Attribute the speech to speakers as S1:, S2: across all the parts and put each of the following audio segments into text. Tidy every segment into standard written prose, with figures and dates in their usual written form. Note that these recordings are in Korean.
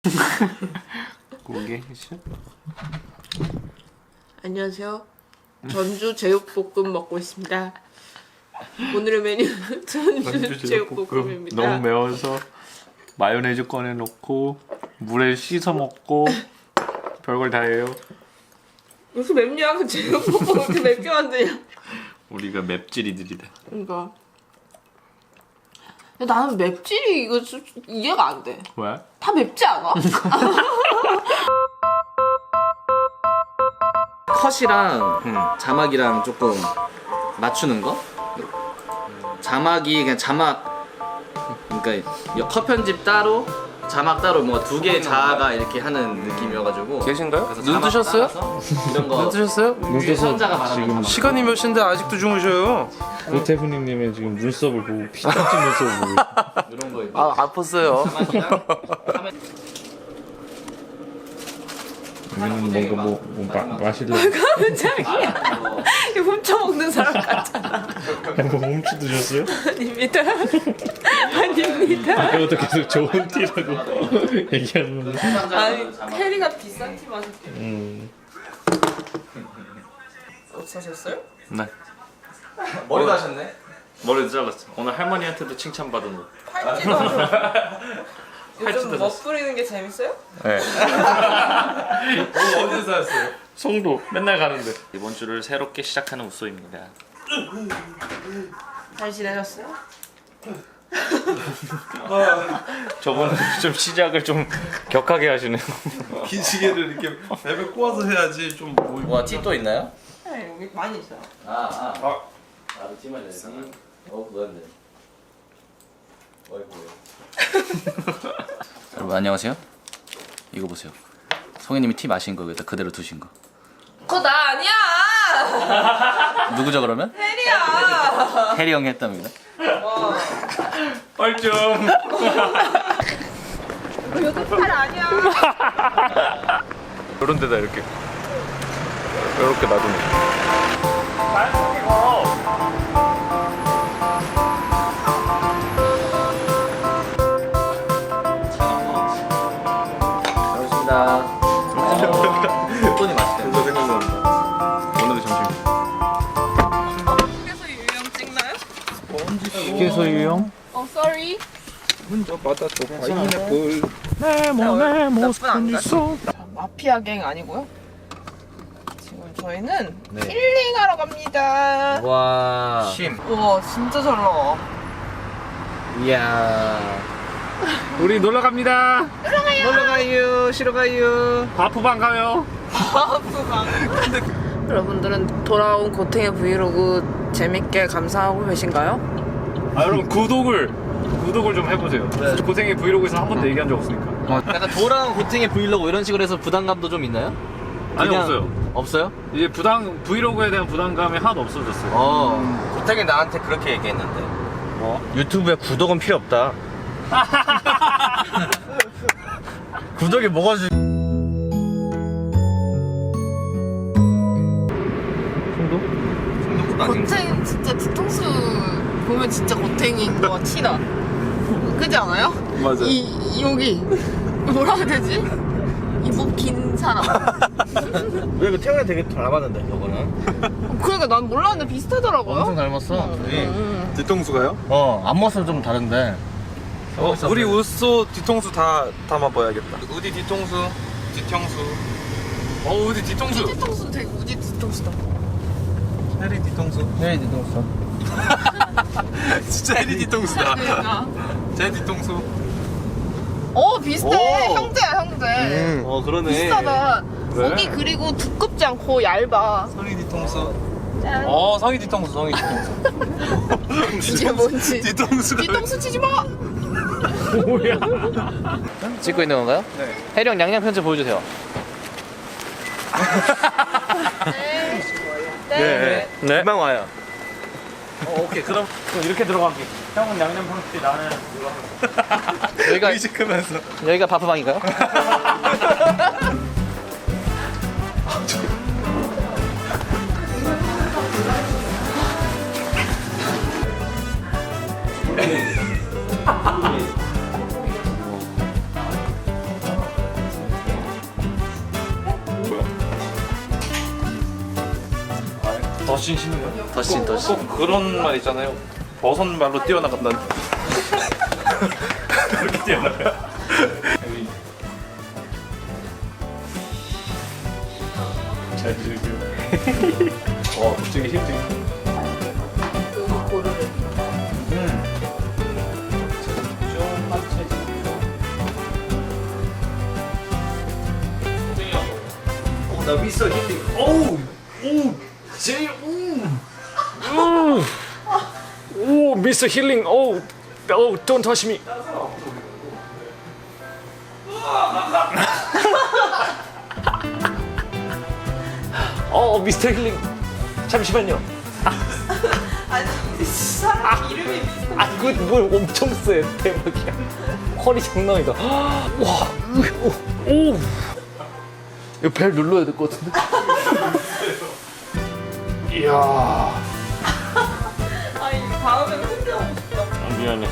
S1: 고개
S2: 안녕하세요. 전주 제육볶음 먹고 있습니다. 오늘의 메뉴는 전주 제육볶음입니다.
S1: 너무 매워서 마요네즈 꺼내 놓고 물에 씻어 먹고 별걸 다 해요.
S2: 무슨 맵냐? 그 제육볶음 이렇게 맵게 만드냐?
S1: 우리가 맵찔이들이다.
S2: 그러니까. 근데 나는 맵찔이 이거 좀 이해가 안 돼.
S1: 왜?
S2: 다 맵지 않아?
S3: 컷이랑 자막이랑 조금 맞추는 거? 자막이 그냥 자막, 그러니까 컷 편집 따로 자막 따로 뭐 두 개 자아가 이렇게 하는 느낌이어가지고.
S4: 계신가요?
S3: 그래서
S4: 눈
S3: 자막
S4: 뜨셨어요?
S3: 따라서 이런 거
S4: 눈 뜨셨어요?
S3: 위에 선자가 말하는
S1: 지금
S3: 자막.
S4: 시간이 몇 시인데 아직도 주무셔요?
S1: 고태훈님의 지금 눈썹을 보고 피딱지 눈썹을 보고
S3: 이런 거 있고.
S4: 아 아팠어요.
S3: 자막이랑
S1: 우리는 뭔가 마실래?
S2: 깜짝이야. 이거 훔쳐먹는 사람 같잖아.
S1: 뭐 훔쳐 드셨어요?
S2: 아닙니다. 아닙니다.
S1: 아까부터 계속 좋은 티라고 얘기하는 거.
S2: 아니, 캐리가 비싼 티 마실게. 어디 사셨어요?
S1: 네.
S3: 머리도 하셨네?
S1: 머리도 잘랐어. 오늘 할머니한테도 칭찬받은 옷.
S2: 팔찌도 요즘 멋부리는 게 재밌어요?
S1: 네.
S4: 어디서 사셨어요?
S1: 송도 맨날 가는데. 이번 주를 새롭게 시작하는 우소입니다.
S2: 잘 지내셨어요?
S1: 저번에 좀 시작을 좀 격하게 하시네요.
S4: 긴 시계를 이렇게 랩에 꼬아서 해야지 좀 뭐.
S3: 뭐 티 또 있나요?
S2: 네, 여기 많이 있어요.
S3: 나도 티 맞아야지. 그건데. 여러분 안녕하세요. 이거 보세요. 성현님이 티 마신 거 여기다 그대로 두신 거.
S2: 그거 나 아니야!
S3: 누구죠 그러면?
S2: 해리야!
S3: 해리 형이 했답니다.
S1: 뻘쭘.
S2: 이거 팔 아니야!
S1: 이런 데다 이렇게 놔두면.
S3: 반갑습니다. 돈이 맛있대요.
S1: 생각난다. 오늘의 점심.
S2: 휴게소 유형 찍나요?
S1: 휴게소 유형?
S2: sorry.
S1: 네모네
S2: 나쁜 안 가. 마피아 갱 아니고요. 지금 저희는 힐링하러 갑니다.
S3: 와.
S2: 우와, 진짜 잘 나와.
S3: 이야.
S1: 우리 놀러 갑니다.
S3: 놀러 가요. 쉬러 가요.
S1: 바프방 가요.
S2: 여러분들은 돌아온 고탱의 브이로그 재밌게 감상하고 계신가요?
S1: 아 여러분 구독을 좀 해보세요. 고생의 브이로그에서 한 번도 얘기한 적 없으니까.
S3: 약간 돌아온 고탱의 브이로그 이런 식으로 해서 부담감도 좀 있나요?
S1: 아니
S3: 그냥
S1: 없어요.
S3: 없어요?
S1: 이제 브이로그에 대한 부담감이 하나도 없어졌어요.
S5: 고택이 나한테 그렇게 얘기했는데
S1: 뭐?
S5: 유튜브에 구독은 필요 없다. 구독이 뭐가 중?
S2: 고탱 진짜 뒤통수 보면 진짜 고탱인 거 티나. 그지 않아요?
S1: 맞아.
S2: 여기 뭐라 해야 되지? 이목 긴 사람.
S5: 왜 이거 태양이 되게 닮았는데 저거는?
S2: 그러니까 난 몰랐는데 비슷하더라고요.
S3: 엄청 닮았어.
S4: 뒤통수가요?
S5: 앞모습은 좀 다른데.
S4: 우리 우소 뒤통수 다 담아봐야겠다. 우디 뒤통수, 뒤통수. 우디 뒤통수.
S2: 뒤통수 되게 우지 뒤통수다.
S4: 해리 뒤통수.
S5: 네, 뒤통수.
S4: 진짜 해리 뒤통수다.
S2: 그러니까.
S4: 제 뒤통수.
S2: 비슷해.
S4: 오.
S2: 형제야 형제.
S4: 그러네.
S2: 비슷하다.
S4: 왜?
S2: 고기 그리고 두껍지 않고 얇아.
S4: 성희 뒤통수.
S2: 짠.
S4: 성희 뒤통수, 성희 뒤통수.
S2: 이게 뭔지.
S4: 뒤통수가.
S2: 뒤통수 치지 마.
S3: 찍고 있는 건가요?
S4: 네.
S3: 해리 형 양양 편집 보여주세요.
S2: 네.
S5: 금방 와요.
S4: 오케이, 그럼
S1: 이렇게 들어갈게. 형은 양념 방식, 나는 이거.
S3: 여기가
S5: 의식하면서.
S3: 여기가 바프방인가요?
S1: 더신 신는 거야?
S3: 더신.
S1: 꼭 그런 말 있잖아요. 버선 말로 뛰어나간다는. 그렇게 뛰어나가요. 여기. 잘 즐겨. 갑자기 힘들어.
S2: 여기 고르래.
S1: 좀만 채지.
S5: 나 미스터 힐링.
S1: 오, 미스터 힐링. 오, don't touch me. 미스터 힐링. 잠시만요.
S2: 아니 사람 이름이 비슷해.
S1: 이거 뭘 엄청 세. 대박이야. 허리 장난이다. 와, 오. 이거 벨 눌러야 될 것 같은데. 이야.
S2: 아니 다음에는 혼자 하고 싶다.
S1: 미안해.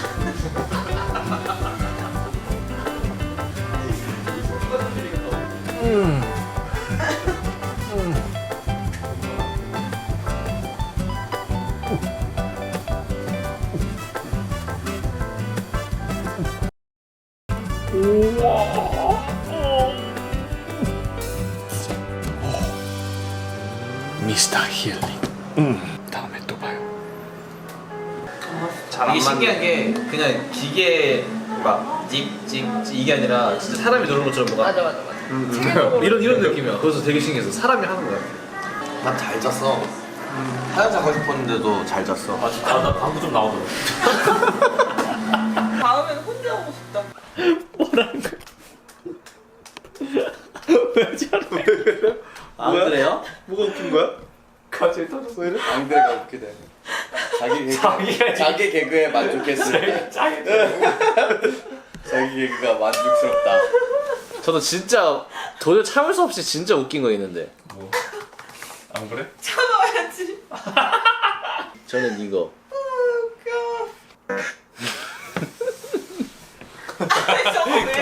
S1: 미스터 힐링. 다음에 또 봐요.
S3: 이게 신기한 게 그냥 기계 막 찍찍 이게 아니라 진짜 사람이 누르는 것처럼 뭐가
S2: 맞아.
S3: 이런 느낌이야. 그래서 되게 신기해서 사람이 하는 거야.
S5: 난 잘 잤어. 하얀 자고 싶었는데도 잘 잤어.
S1: 나 방구 좀 나오더라.
S2: 다음에는 혼자 하고 싶다.
S1: 뭐라는 거야? 왜 저래?
S3: 안 그래요?
S4: 뭐가 웃긴 거야?
S1: 갑자기 터졌어 이래?
S5: 안 그래가 웃기네. 자기 개그에 만족했을 때 자기 개그가 만족스럽다.
S3: 저도 진짜 도저히 참을 수 없이 진짜 웃긴 거 있는데.
S1: 뭐? 안 그래?
S2: 참아야지.
S3: 저는 이거.
S2: 웃겨. 아니 저거 왜?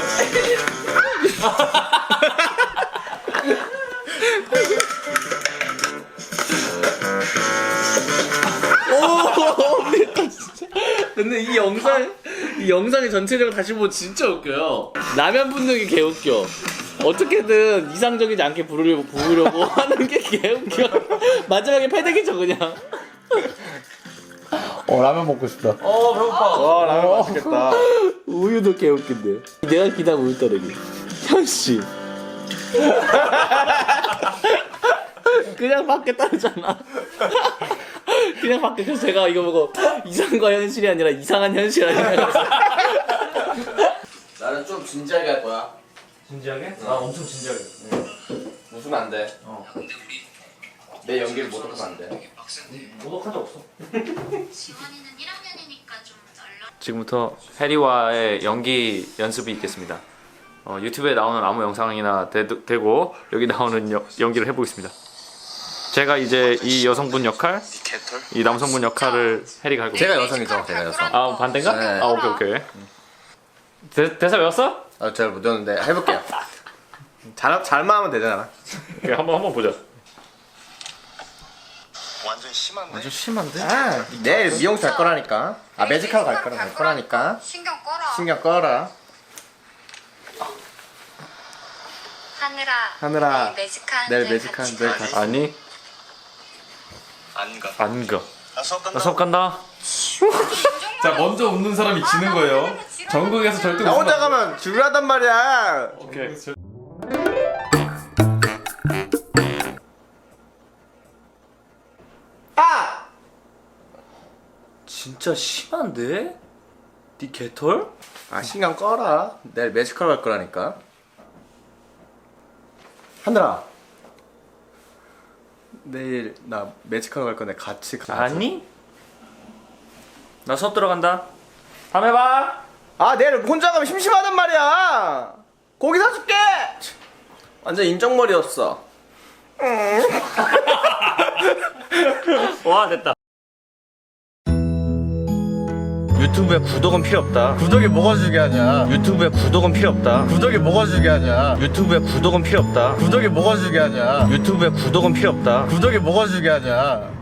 S3: 근데 이 영상이 전체적으로 다시 보면 진짜 웃겨요. 라면 붓는 게 개웃겨. 어떻게든 이상적이지 않게 부으려고 하는 게 개웃겨. 마지막에 패대기죠 그냥.
S1: 라면 먹고 싶다.
S3: 배고파.
S5: 와 라면 맛있겠다.
S3: 우유도 개웃긴데. 내가 기다린 우유 따르기. 현씨. 그냥 밖에 따르잖아. 그냥 밖에. 그래서 제가 이거 보고 이상과 현실이 아니라 이상한 현실이라는 생각했어.
S5: 나는 좀 진지하게 할 거야.
S1: 진지하게? 나 엄청 진지하게.
S5: 웃으면 안 돼. 내 연기를 모독하면 안 돼.
S1: 모독한 적 없어.
S6: 지원이는 1학년이니까 좀 널널.
S1: 지금부터 해리와의 연기 연습이 있겠습니다. 유튜브에 나오는 아무 영상이나 되고 여기 나오는 연기를 해보겠습니다. 제가 이제 이 여성분 역할, 이 남성분 역할을 해리가 하고.
S5: 제가 여성이죠. 제가 여성.
S1: 아 반대인가?
S5: 네.
S1: 아 오케이. 대사 외웠어?
S5: 잘 못 외웠는데 해볼게요. 잘만 하면 되잖아.
S1: 오케이, 한번 보자.
S5: 완전 심한데? 내일 미용실 갈 거라니까. 매직하러 갈 거라니까.
S6: 신경 꺼라.
S5: 신경 꺼라. 하늘아, 내일 매직하는데 같이.
S1: 아니. 안 가. 나 수업 간다.
S4: 자 먼저 웃는 사람이 지는 거예요. 전국에서 절대
S5: 나
S4: 웃으면
S5: 혼자
S4: 안 돼.
S5: 가면 지루하단 말이야.
S1: 오케이.
S3: 진짜 심한데? 네 개털?
S5: 신경 꺼라. 내일 매직하러 갈 거라니까. 하늘아, 내일 나 매직하러 갈 건데 같이 가자.
S1: 아니? 나 수업 들어간다. 다음에 봐.
S5: 내일 혼자 가면 심심하단 말이야. 고기 사줄게. 완전 인정머리였어.
S1: 와 됐다.
S5: 유튜브에 구독은 필요 없다. 구독이 뭐가 중요하냐? 유튜브에 구독은 필요 없다. 구독이 뭐가 중요하냐? 유튜브에 구독은 필요 없다. 구독이 뭐가 중요하냐? 유튜브에 구독은 필요 없다. 구독이 뭐가 중요하냐?